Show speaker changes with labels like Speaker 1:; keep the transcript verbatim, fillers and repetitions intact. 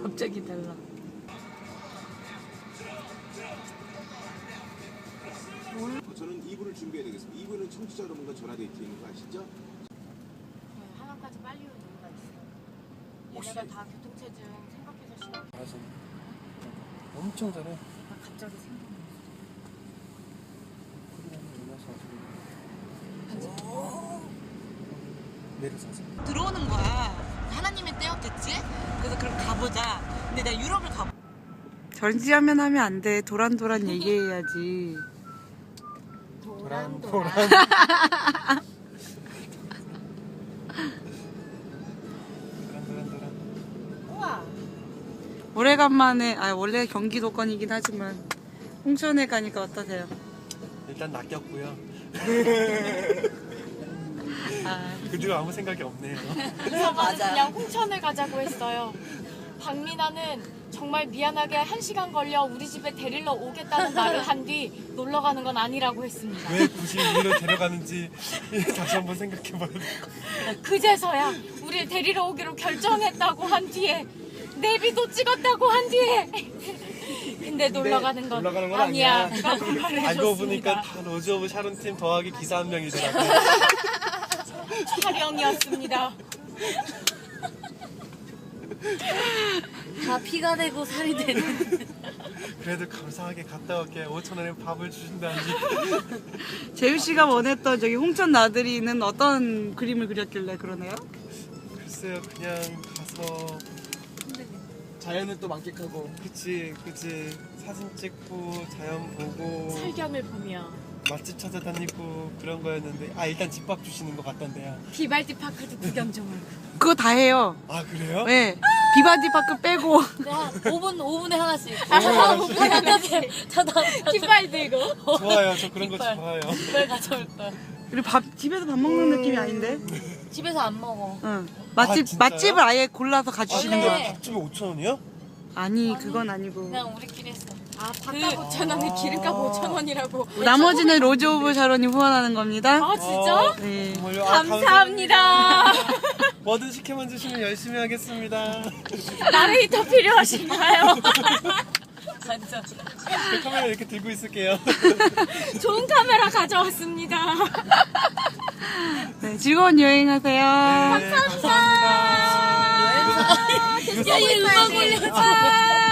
Speaker 1: 갑자기 달라.
Speaker 2: 저는 이 부를 준비해야 되겠습니다. 이 부는 청취자 여러분과 전화데이트 있는 거 아시죠?
Speaker 1: 네, 하나까지 빨리 온 이유가 있어. 얘네가 다 교통체증 생각해서 싫어.
Speaker 3: 알았어. 엄청 잘해.
Speaker 1: 나 갑자기 생각났어.
Speaker 3: 내려서
Speaker 1: 들어오는 거야. 하나님의 때였겠지? 그래서 그럼 가보자. 근데 내가 유럽을 가보.
Speaker 4: 전지하면 하면 안 돼. 도란도란 얘기해야지.
Speaker 3: 도란
Speaker 1: 도란
Speaker 3: 도란.
Speaker 1: 도란.
Speaker 3: 도란 도란.
Speaker 1: 우와.
Speaker 4: 오래간만에, 아, 원래 경기도권이긴 하지만, 홍천에 가니까 어떠세요?
Speaker 3: 일단 낚였고요.
Speaker 4: 아,
Speaker 3: 그 뒤로 아무 생각이 없네요.
Speaker 5: 그래서 맞아. 그냥 홍천을 가자고 했어요. 박민아는 정말 미안하게 한 시간 걸려 우리 집에 데리러 오겠다는 말을 한 뒤 놀러 가는 건 아니라고 했습니다.
Speaker 3: 왜 굳이 우리를 데려가는지 다시 한번 생각해봐야 돼.
Speaker 5: 그제서야 우리를 데리러 오기로 결정했다고 한 뒤에 내비도 찍었다고 한 뒤에 근데 놀러 가는 건,
Speaker 3: 놀러 가는 건
Speaker 5: 아니야.
Speaker 3: 아니야.
Speaker 5: 라고 말해줬습니다.
Speaker 3: 알고 보니까 다 로즈 오브 샤론 팀 더하기 기사 한 명이더라고요.
Speaker 5: 촬영이었습니다.
Speaker 1: 다 피가 되고 살이 되는.
Speaker 3: 그래도 감사하게 갔다 올게. 오천 원에 밥을 주신다니.
Speaker 4: 재유씨가 원했던 저기 홍천 나들이는 어떤 그림을 그렸길래 그러네요?
Speaker 3: 글쎄요, 그냥 가서
Speaker 6: 자연을 또 만끽하고
Speaker 3: 그치 그치 사진 찍고 자연 보고
Speaker 5: 설경을 보며
Speaker 3: 맛집 찾아다니고 그런 거였는데 아 일단 집밥 주시는 것 같던데요.
Speaker 5: 비발디 파크도 구경 좀 하고.
Speaker 4: 그거 다 해요.
Speaker 3: 아 그래요?
Speaker 4: 네. 비바디 파크 빼고.
Speaker 1: 오 분, 오 분에 하나씩.
Speaker 5: 아,
Speaker 1: 오 분에 하나씩. 저 다음
Speaker 5: 깃발 들고
Speaker 3: 좋아요. 저 그런 거
Speaker 1: 깃발.
Speaker 3: 좋아요.
Speaker 1: 깃발 가져올 거야.
Speaker 4: 그리고 밥, 집에서 밥 먹는 느낌이 아닌데?
Speaker 1: 집에서 안 먹어.
Speaker 4: 응. 맛집,
Speaker 3: 진짜요?
Speaker 4: 맛집을 아예 골라서
Speaker 3: 아
Speaker 4: 가주시는
Speaker 3: 근데
Speaker 4: 거.
Speaker 1: 원래-
Speaker 3: 밥집이 오천 원이요?
Speaker 4: 아니, 그건 아니고.
Speaker 1: 그냥 우리끼리 했어.
Speaker 5: 아 밥값 오천 원에 기름값 오천 원이라고.
Speaker 4: 나머지는 로즈 오브 샤론이 후원하는 겁니다.
Speaker 5: 아 진짜?
Speaker 4: 네.
Speaker 3: 정말요? 아,
Speaker 5: 감사합니다.
Speaker 3: 뭐든 시켜만 주시면 열심히 하겠습니다.
Speaker 5: 나레이터 필요하신가요?
Speaker 1: 완전.
Speaker 3: 그 카메라 이렇게 들고 있을게요.
Speaker 5: 좋은 카메라 가져왔습니다.
Speaker 4: 네, 즐거운 여행하세요.
Speaker 3: 네, 감사합니다.
Speaker 1: 야, 얘 음악 올려줘.